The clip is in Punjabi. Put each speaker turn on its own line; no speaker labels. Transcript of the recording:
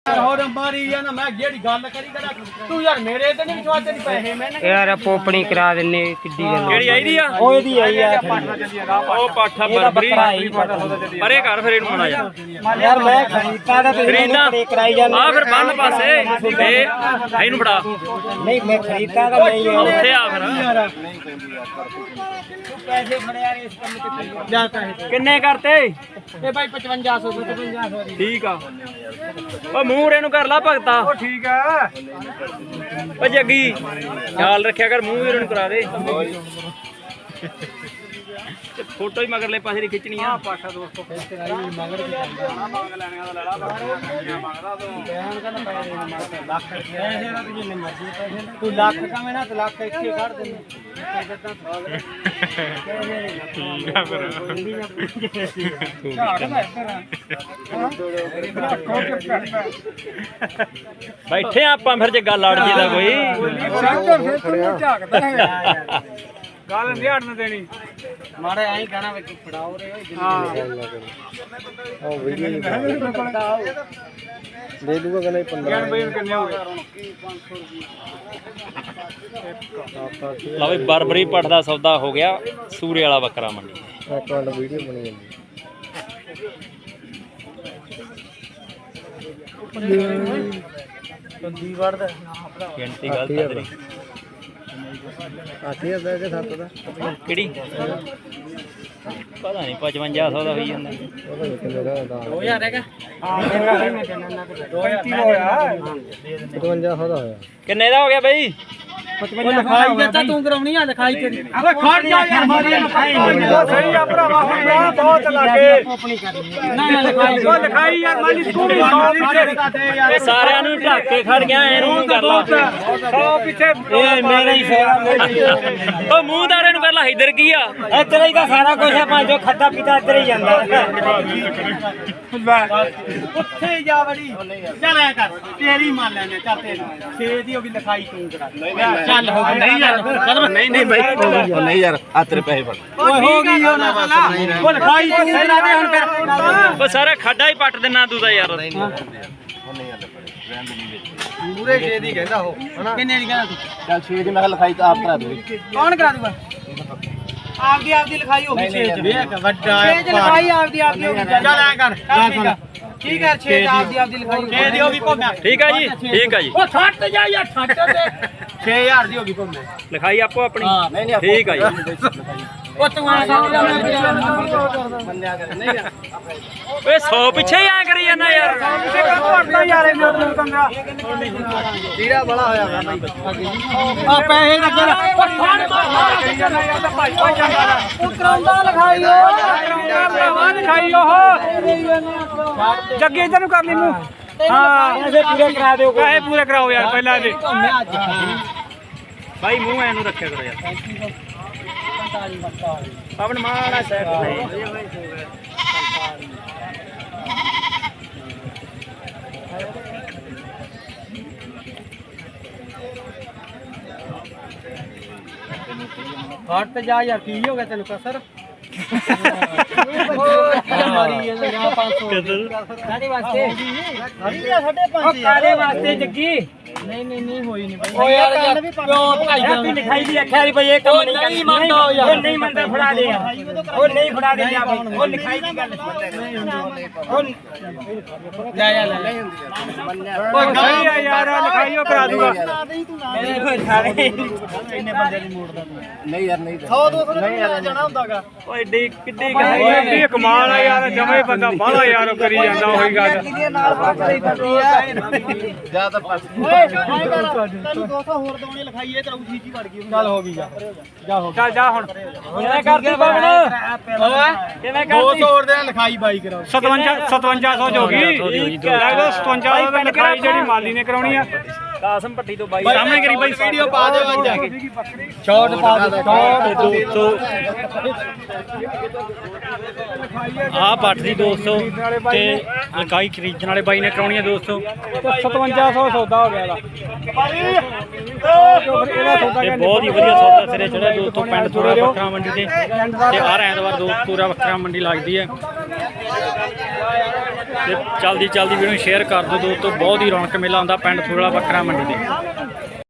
मारी ना मैं जेड़ी गल करी करा तू यार मेरे ते नहीं विश्वास नहीं पैसे मैंने
यार पोपणी करा देने किड्डी गल
केड़ी आई दी आ
ओए दी आई आ
ओ पाठा बरबरी परे घर फिर इनु मना जा
यार मैं खरीदता था तो
खरीदना
कराई जाना
आ फिर बंद पासे ते इनु फड़ा
नहीं मैं खरीदता था नहीं
ਉੱਥੇ ਆ ਫਿਰ
पैसे फड़े यार इस काम ते जा पैसे
ਕਿੰਨੇ ਕਰਤੇ
ए भाई 5500 5500
ਠੀਕ ਆ ਓ ਮੂਹਰੇ ਨੂੰ ਕਰ ਲਾ ਭਗਤਾ
ओ ठीक है
ਓ ਜੱਗੀ ਖਿਆਲ ਰੱਖਿਆ ਕਰ ਮੂੰਹ ਵੀਰ ਨੂੰ ਕਰਾ ਦੇ ਤੇ ਫੋਟੋ ਹੀ ਮਗਰਲੇ ਪਾਸੇ ਦੀ ਖਿੱਚਣੀ ਆ
पाठा दोस्तों पैसे आई मगर की जाना मंग लेने का लड़ा मंगदा तो बयान का ना पैसे लाख पैसे ना तुझे मर्जी पैसे तू लाख का में ना तो लाख का इक्के काट दे
ਠੀਕ ਆ ਫਿਰ ਬੈਠੇ ਆਪਾਂ ਫਿਰ ਜੇ ਗੱਲ ਅੜ ਜੇ ਦਾ ਕੋਈ
ਗੱਲ ਨਹੀਂ ਹਟਣ ਦੇਣੀ ਮਾਰੇ ਐਂ ਕਹਿਣਾ ਵੇ ਫੜਾਓ ਰੇ
हां वीडियो दे दूंगा कि नहीं 15
ਕਿੰਨੇ ਹੋ ਗਏ
ਲਓ ਵੀ ਬਰਬਰੀ ਪੱਠ ਦਾ ਸੌਦਾ ਹੋ ਗਿਆ ਸੂਰੇ ਵਾਲਾ ਬੱਕਰਾ ਮੰਡੀ
एक मिनट वीडियो बनी जाती
ਬੰਦੀ ਵੜਦਾ
ਗਿਣਤੀ ਗਲਤ ਆ ਤੇਰੀ
8000 के साथ था
ਕਿਹੜੀ ਪਤਾ ਨਹੀਂ 5500 ਦਾ ਹੋਈ ਜਾਂਦਾ
पता नहीं कितने का था
2000 ਹੈਗਾ ਹਾਂ ਮੇਰਾ ਹੈ ਮੈਂ ਕਹਿੰਦਾ ਨਾ 35 ਹੋਇਆ
5500 ਦਾ ਹੋਇਆ
ਕਿੰਨੇ ਦਾ ਹੋ ਗਿਆ ਬਈ
55 ਲਿਖਾਈ ਦਿੱਤਾ ਤੂੰ ਕਰਾਉਣੀ ਆ ਲਿਖਾਈ ਤੇਰੀ ਅਬੇ ਖੜ ਜਾ ਯਾਰ ਮਾਰੀ ਲਿਖਾਈ ਸਹੀ ਆ ਭਰਾਵਾ ਹੁਣ ਬਹੁਤ ਲੱਗੇ ਆਪਣੀ ਕਰਨੀ ਨਾ ਲਿਖਾਈ ਉਹ ਲਿਖਾਈ ਯਾਰ ਮਾਲੀ ਤੂੰ ਵੀ
ਇਹ ਸਾਰਿਆਂ ਨੂੰ ਢੱਕ ਕੇ ਖੜ ਗਿਆ ਇਹਨੂੰ ਕਰ ਲਾ
100 ਪਿੱਛੇ
ਇਹ ਮੇਰਾ ਹੀ ਸਾਰਾ
ਉਹ ਮੂੰਹਦਾਰੇ ਨੂੰ ਕਰ ਲਾ ਇਧਰ ਕੀ ਆ
ਇੱਧਰ ਹੀ ਤਾਂ ਸਾਰਾ ਕੁਝ ਹੈ ਭਾਂ ਜੋ ਖਾਦਾ ਪੀਤਾ ਇੱਧਰ ਹੀ ਜਾਂਦਾ
ਉੱਥੇ ਜਾ ਵੜੀ ਚੱਲ ਐ ਕਰ ਤੇਰੀ ਮੰਨ ਲੈਨੇ ਚੱਲ ਤੇਰੀ 6 ਦੀ ਹੋ ਗਈ ਲਿਖਾਈ ਤੂੰ ਕਰਾ ਚੱਲ ਹੋ ਗਈ ਨਹੀਂ ਯਾਰ
ਨਹੀਂ ਬਾਈ
ਨਹੀਂ ਯਾਰ ਆ ਤੇਰੇ ਪੈਸੇ ਫੜ
ਓਏ ਹੋ ਗਈ ਉਹ ਲਿਖਾਈ ਤੂੰ ਕਰਾ ਦੇ ਹੁਣ ਫਿਰ
ਉਹ ਸਾਰਾ ਖਾਡਾ ਹੀ ਪੱਟ ਦੇਣਾ ਤੂੰ ਤਾਂ ਯਾਰ
ਪੂਰੇ 6 ਦੀ ਕਹਿੰਦਾ ਉਹ ਹਨਾ ਕਿੰਨੇ ਦੀ ਕਹਿੰਦਾ ਤੂੰ
ਚੱਲ 6 ਦੀ ਮੈਂ ਲਿਖਾਈ ਤਾਂ ਆਪ ਕਰਾ ਦੇ
ਕੌਣ ਕਰਾ ਦੂਗਾ ਆਪਦੀ ਲਿਖਾਈ ਹੋ ਗਈ 6 ਚ ਵੇਖ ਵੱਡਾ 6 ਚ ਲਿਖਾਈ ਆਪਦੀ ਹੋ ਗਈ ਚੱਲ ਐ ਕਰ ਠੀਕ ਹੈ 6 ਆਪਦੀ ਲਿਖਾਈ 6 ਦੀ ਹੋ ਗਈ ਭੋਗਾ
ਠੀਕ ਆ ਜੀ ਠੀਕ ਆ ਜੀ
ਉਹ ਛੱਟ ਜਾ ਯਾਰ ਛੱਟ ਦੇ 6000 ਦੀ ਹੋ ਗਈ ਭੋਗਾ
ਲਿਖਾਈ ਆਪੋ ਆਪਣੀ
ਨਹੀਂ
ਠੀਕ ਆ ਜੀ
ਉਹ ਤੂੰ ਆ ਸਮਝ ਜਾ
ਓਏ 100 ਪਿੱਛੇ ਹੀ ਆ ਕਰੀ ਜਾਂਦਾ ਯਾਰ
ਯਾਰ ਜੀਰਾ ਬੜਾ ਹੋਇਆ ਵਾ ਬਾਈ ਆ ਪੈਸੇ ਦਾ ਕਰ ਉਹ ਕਰਾਉਂਦਾ ਲਿਖਾਈ ਉਹ ਜੱਗੇ ਇਧਰ ਨੂੰ ਕਰ ਲਈ ਮੂੰਹ ਹਾਂ
ਪੈਸੇ ਪੂਰੇ ਕਰਾ ਦਿਓ
ਪੈਸੇ ਪੂਰੇ ਕਰਾਓ ਯਾਰ ਪਹਿਲਾਂ ਦੇ
ਭਾਈ ਮੂੰਹ ਐਨੂੰ ਰੱਖਿਆ ਕਰੋ ਯਾਰ ਆਪਣ ਮਾੜਾ ਸੈਟ
ਹਟ ਜਾ ਯਾਰ ਕੀ ਹੋ ਗਿਆ ਤੈਨੂੰ ਕਸਰ ਮਾਰੀ ਇਹ 500 ਸਾਡੇ ਵਾਸਤੇ ਸਾਡੇ ਵਾਸਤੇ ਜੱਗੀ ਨਹੀਂ ਹੋਈ ਨਹੀਂ ਭਾਈ ਓ ਯਾਰ ਕਿਉਂ ਭਾਈ
ਹੈਪੀ ਲਿਖਾਈ ਦੀ ਅੱਖਾਂ ਦੀ ਬਈ ਇਹ ਕੰਮ ਨਹੀਂ
ਮੰਨਦਾ ਯਾਰ
ਉਹ ਨਹੀਂ ਮੰਨਦਾ ਫੜਾ ਦੇ ਉਹ ਨਹੀਂ ਫੜਾ ਦੇ ਉਹ ਲਿਖਾਈ ਦੀ ਗੱਲ ਉਹ
ਲੈ ਓ ਸਹੀ ਆ ਯਾਰ ਲਿਖਾਈਓ ਕਰਾ ਦੂਗਾ
ਮੇਰੇ ਕੋਲ ਸਾਰੇ
ਇੰਨੇ ਬੰਦੇ ਦੀ ਮੋੜਦਾ ਤੂੰ
ਨਹੀਂ ਯਾਰ ਨਹੀਂ
100 200 ਨਹੀਂ ਜਾਣਾ ਹੁੰਦਾਗਾ
ਓਏ ਏਡੀ ਕਿੱਡੀ
ਓਏ ਕਮਾਲ ਆ ਯਾਰ ਜਮੇ ਬੰਦਾ ਬਾਹਲਾ ਯਾਰ ਕਰੀ ਜਾਂਦਾ ਉਹੀ ਗੱਲ ਨਾਲ ਬਾਕੀ ਕਰਦੀ ਆ
ਜਾ ਤਾਂ ਪਾਸ
ਓਏ ਤੈਨੂੰ 200 ਹੋਰ ਦਵਾਉਣੀ ਲਿਖਾਈ ਇਹ ਤੇਰਾ ਠੀਕ ਹੀ ਵੜ ਗਈ ਚੱਲ ਹੋ ਗਈ ਜਾ ਹੋ
ਚੱਲ ਜਾ ਹੁਣ
ਕਿਵੇਂ ਕਰਦੀ ਬਾਬਣ ਓਏ
ਕਿਵੇਂ
200 ਹੋਰ ਦੇ ਲਿਖਾਈ ਬਾਈ ਕਰਾਓ 5700 ਹੋ ਗਈ ਲੱਗਦਾ 5700 ਦੀ ਲਿਖਾਈ ਜਿਹੜੀ ਮਾਲੀ ਨੇ ਕਰਾਉਣੀ ਆ
ਕਾਸਮ ਪੱਟੀ ਤੋਂ ਬਾਈ
ਸਾਹਮਣੇ ਕਰੀ ਬਾਈ ਵੀਡੀਓ ਪਾ ਦਿਓ ਅੱਜ ਜਾ ਕੇ ਸ਼ਾਰਟ ਪਾ ਦਿਓ ਸ਼ਾਰਟ 200
ਆ ਪੱਟ ਦੀ 200 ਤੇ ਲਕਾਈ ਖਰੀਦਣ ਵਾਲੇ ਬਾਈ ਨੇ ਕਰਾਉਣੀ ਆ 200
5700 ਸੌਦਾ ਹੋ ਗਿਆ ਇਹਦਾ
ਤੇ ਬਹੁਤ ਹੀ ਵਧੀਆ ਸੌਦਾ ਸਿਰੇ ਚੜਿਆ ਦੋਸਤੋ ਪਿੰਡ ਥੋੜਾ ਵੱਖਰਾ ਮੰਡੀ ਤੇ ਹਰ ਐਤਵਾਰ ਦੋਸਤ ਪੂਰਾ ਵੱਖਰਾ ਮੰਡੀ ਲੱਗਦੀ ਹੈ ਤੇ ਜਲਦੀ ਵੀਡੀਓ ਨੂੰ ਸ਼ੇਅਰ ਕਰ ਦਿਓ ਦੋਸਤੋ। ਬਹੁਤ ਹੀ ਰੌਣਕ ਮੇਲਾ ਹੁੰਦਾ ਪਿੰਡ ਫੂਲਾ ਬੱਕਰਾ ਮੰਡੀ ਤੇ।